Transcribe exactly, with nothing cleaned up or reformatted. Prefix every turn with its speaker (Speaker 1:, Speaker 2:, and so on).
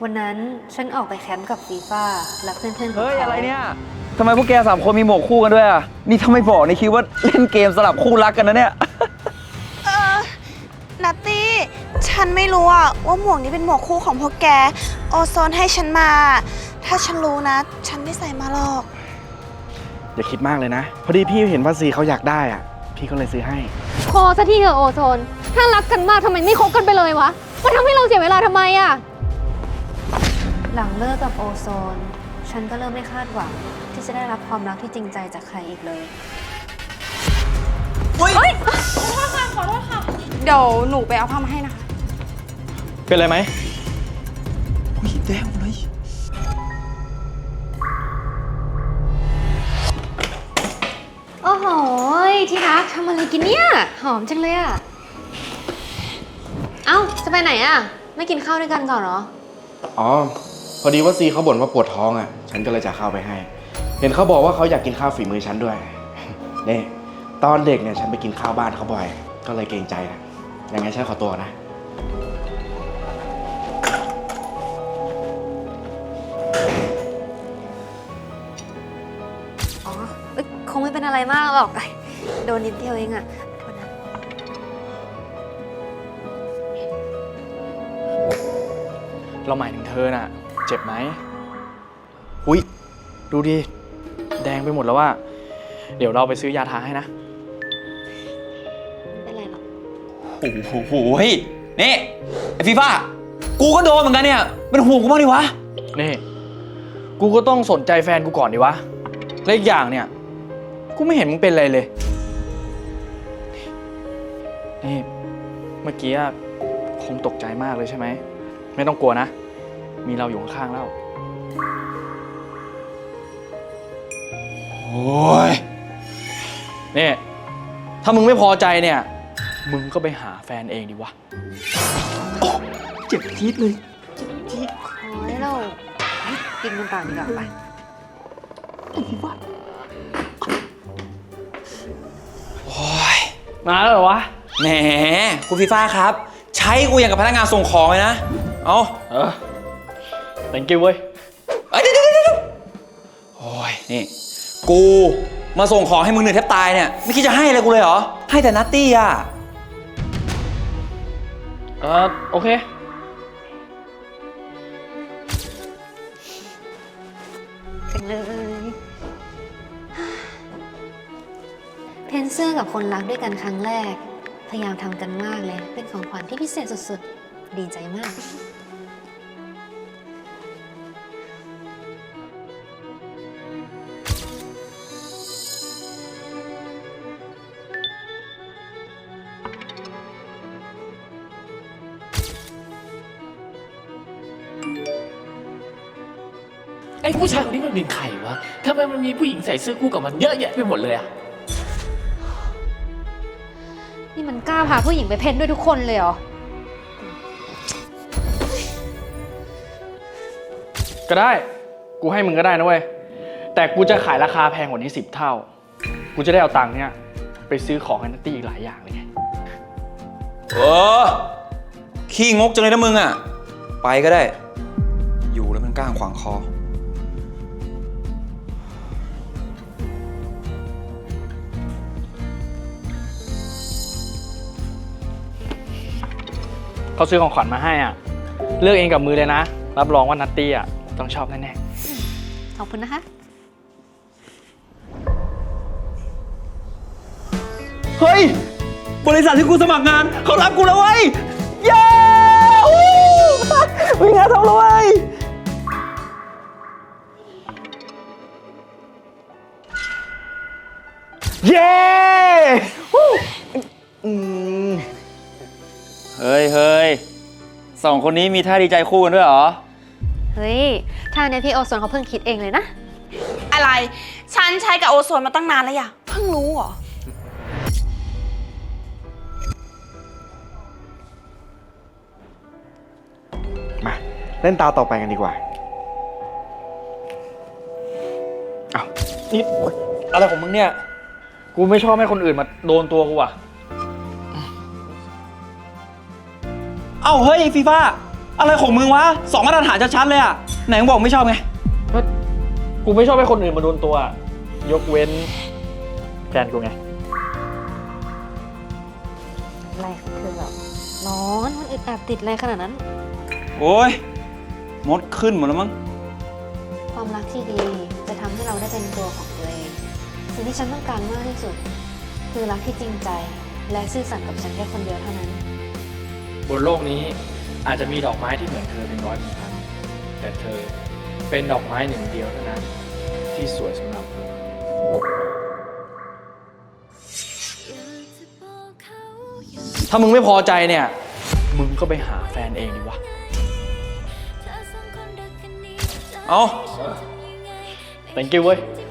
Speaker 1: วันนั้นฉันออกไปแคมป์กับฟีฟ่าและเพื่อนๆของเขา
Speaker 2: เฮ้ยอะไรเนี่ยทำไมพวกแกสามคนมีหมวกคู่กันด้วยอ่ะนี่ถ้าไม่บอกนี่คิดว่าเล่นเกมสลับคู่รักกันนะเนี่ย
Speaker 3: เออนัตตี้ฉันไม่รู้อะว่าหมวกนี้เป็นหมวกคู่ของพวกแกโอโซนให้ฉันมา ถ้าฉันรู้นะ ฉันไม่ใส่มาหรอก
Speaker 4: อย่าคิดมากเลยนะ พอดีพี่เห็นว่าซีเขาอยากได้อ่ะ พี่ก็เลยซื้อให้
Speaker 5: พอสักทีเถอะโอโซน ถ้ารักกันมากทำไมไม่คบกันไปเลยวะมันทำให้เราเสียเวลาทำไมอะ
Speaker 1: หลังเลิกกับโอโซน ฉันก็เริ่มไม่คาดหวังที่จะได้รับความรักที่จริงใจจากใครอีกเลย
Speaker 3: เดี๋ยวหนูไปเอาผ้ามาให้นะคะ
Speaker 2: เป็นไรไหม
Speaker 4: อุ้ยแดงเลย
Speaker 5: โอ้โหที่รักทำอะไรกินเนี่ยหอมจังเลยอะเอ้าจะไปไหนอะไม่กินข้าวด้วยกันก่อนเหรอ
Speaker 4: อ๋อ พอดีว่าซีเขาบ่นว่าปวดท้องอ่ะ ฉันก็เลยจะเข้าไปให้ เห็นเขาบอกว่าเขาอยากกินข้าวฝีมือฉันด้วย นี่ ตอนเด็กเนี่ยฉันไปกินข้าวบ้านเขาบ่อย ก็เลยเกรงใจนะยังไงฉันขอตัวนะ
Speaker 1: อ๋อเอ้ยคงไม่เป็นอะไรมากหรอก โดนนิดเดียวเองอะโทษนะ
Speaker 2: เราหมายถึงเธอน่ะ เจ็บไหมอุ้ยดูดิแดงไปหมดแล้วว่า เดี๋ยวเราไปซื้อยาทาให้นะ
Speaker 1: ไม่เป็นไรหรอก
Speaker 2: โอ้โหเฮ้ยนี่ไอฟีฟ่ากูก็โดนเหมือนกันเนี่ยเป็นห่วงกูบ้างดิวะนี่กูก็ต้องสนใจแฟนกูก่อนดิวะและอีกอย่างเนี่ยกูไม่เห็นมึงเป็นอะไรเลยนี่เมื่อกี้คงตกใจมากเลยใช่ไหมไม่ต้องกลัวนะมีเราอยู่ข้างๆแล้วโอ้ยนี่ถ้ามึงไม่พอใจเนี่ยมึงก็ไปหาแฟนเองดิวะเจ็บจี๊ดเลย
Speaker 1: โอ้ยเรากินกันต่อดีกว่าไป
Speaker 2: โอ้ยมาแล้วเหรอวะแหมคุณฟีฟ่าครับ ใช้กูอย่างกับพนักงานส่งของเลยนะเอาเออ thank you เว้ยเอ้ยเดี๋ยวเดี๋ยวเดี๋ยวโอ้ยนี่กูมาส่งของให้มึงเหนื่อยแทบตายเนี่ยไม่คิดจะให้อะไรกูเลยเหรอให้แต่นัตตี้อ่ะเออโอเค
Speaker 1: กันเลย เพนเสื้อกับคนรักด้วยกันครั้งแรก พยายามทำกันมากเลย เป็นของขวัญที่พิเศษสุดๆ ดีใจมาก
Speaker 6: ไอ้ผู้ชายคนนี้มันเป็นใครวะ ทำไมมันมีผู้หญิงใส่เสื้อคู่กับมันเยอะแยะไปหมดเลยอะ
Speaker 5: นี่มันกล้าพาผู้หญิงไปเพ่นด้วยทุกคนเลยเหรอ
Speaker 2: ก็ได้กูให้มึงก็ได้นะเว้ยแต่กูจะขายราคาแพงกว่านี้สิบเท่ากูจะได้เอาตังค์เนี่ยไปซื้อของให้นัตตี้อีกหลายอย่างเลยไงเออขี้งกจังเลยนะมึงอ่ะไปก็ได้อยู่แล้วมันก้างขวางคอเขาซื้อของขวัญมาให้อ่ะเลือกเองกับมือเลยนะรับรองว่านัตตี้อ่ะต้องชอบแน่ๆ
Speaker 1: ขอบคุณนะคะ
Speaker 2: เฮ้ยบริษัทที่กูสมัครงานเขารับกูแล้วเว้ยเย้มีงานทำแล้วเว้ยเย้อืมเฮ้ยเฮ้ยสองคนนี้มีท่าดีใจคู่กันด้วยเหรอ
Speaker 1: เฮ้ยท่าเนี้ยพี่โอโซนเขาเพิ่งคิดเองเลยนะ
Speaker 3: อะไร ฉันใช้กับโอโซนมาตั้งนานแล้วอย่ะเพิ่งรู้เหรอ
Speaker 4: มาเล่นตาต่อไปกันดีกว่า
Speaker 2: อ้าวนี่อะไรของมึงเนี่ย กูไม่ชอบให้คนอื่นมาโดนตัวกูว่ะ เอ้าเฮ้ยฟีฟ่าอะไรของมึงวะสองมาตรฐานชัดๆเลยอะไหนมึงบอกไม่ชอบไง
Speaker 6: กูไม่ชอบให้คนอื่นมาโดนตัว ยกเว้นแฟนกูไง
Speaker 1: อะไรของเธอแบบร้อนมันอึดอัดติดอะไรขนาดนั้น
Speaker 2: โอ้ยมดขึ้นหมดแล้วมั้ง
Speaker 1: ความรักที่ดีจะทำให้เราได้เป็นตัวของตัวเอง สิ่งที่ฉันต้องการมากที่สุด คือรักที่จริงใจ และซื่อสัตย์กับฉันแค่คนเดียวเท่านั้น
Speaker 6: บนโลกนี้อาจจะมีดอกไม้ที่เหมือนเธอเป็นร้อยเป็นพันแต่เธอเป็นดอกไม้หนึ่งเดียวเท่านั้น ที่สวยสำหรับกู
Speaker 2: ถ้ามึงไม่พอใจเนี่ย
Speaker 6: มึงก็ไปหาแฟนเองดีวะ
Speaker 2: เอา
Speaker 6: thank you เว้ย